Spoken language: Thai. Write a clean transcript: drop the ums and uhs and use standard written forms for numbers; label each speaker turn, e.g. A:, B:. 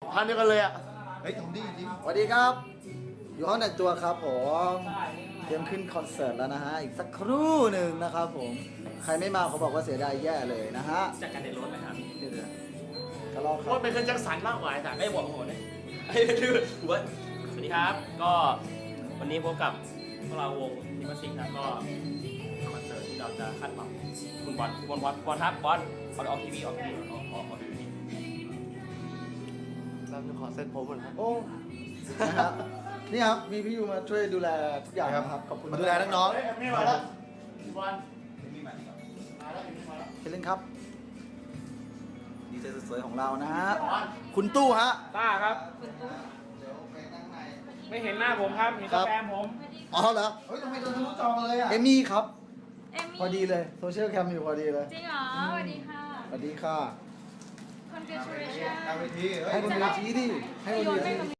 A: พันเดียวกันเลยอ่ะ
B: เฮ้ยทำดีจริง
C: สวัสดีครับ อยู่ห้องแต่งตัวครับผมเตรียมขึ้นคอนเสิร์ตแล้วนะฮะ อีกสักครู่หนึ่งนะครับผม ใครไม่มาเขาบอกว่าเสียดายแย่เลยนะฮะ
D: จากการเดินรถนะครับ
C: เดี๋ยวๆก็รอครั
A: ว่า
C: บ
A: เป็นเครื่องจักรสันมากกว่าไอ้สัตว์
D: ไม่บอกโหดเลยไอ้ดื้อหัวสวัสดีครับ ก็วันนี้พบกับพวกเราวงนิมสิกครับก็คอนเสิร์ตที่เราจะคาดหวังคุณบอลครับบอลออกทีวีออกทีวีออกทีวี
A: เราจะขอเซ็ตผมก่อนครับ
C: โอ้นะครับนี่ครับ มีพี่ยูมาช่วยดูแลทุกอย่างนะครับ ขอบคุณ
B: มาดูแลน้อง
A: เฮ้ยไม่มาแล้วพี่บอลมาแล้วมาแล้ว
C: เชิญเล่นครับ ดีเจสวยๆของเรานะฮะ คุณตู้ฮะ
E: ต้าครับ ไม่เห็นหน้าผมครับเห็นแต่แฟนผม
C: อ๋อเหรอ
B: ๆเฮ้ยทำไมโดนทะลุจอมาเลยอ่ะ
C: เอมี่ครับ
F: เอมมี่
C: พอดีเลยโซเชียลแคมอยู่พอดีเลย
F: จริงเหรอสวัสดีค่ะ
C: สวัสดีค่ะ
F: congratulations
B: ตามเวทีเฮ้ย
C: ให้บนเวทีดิให้บนเวที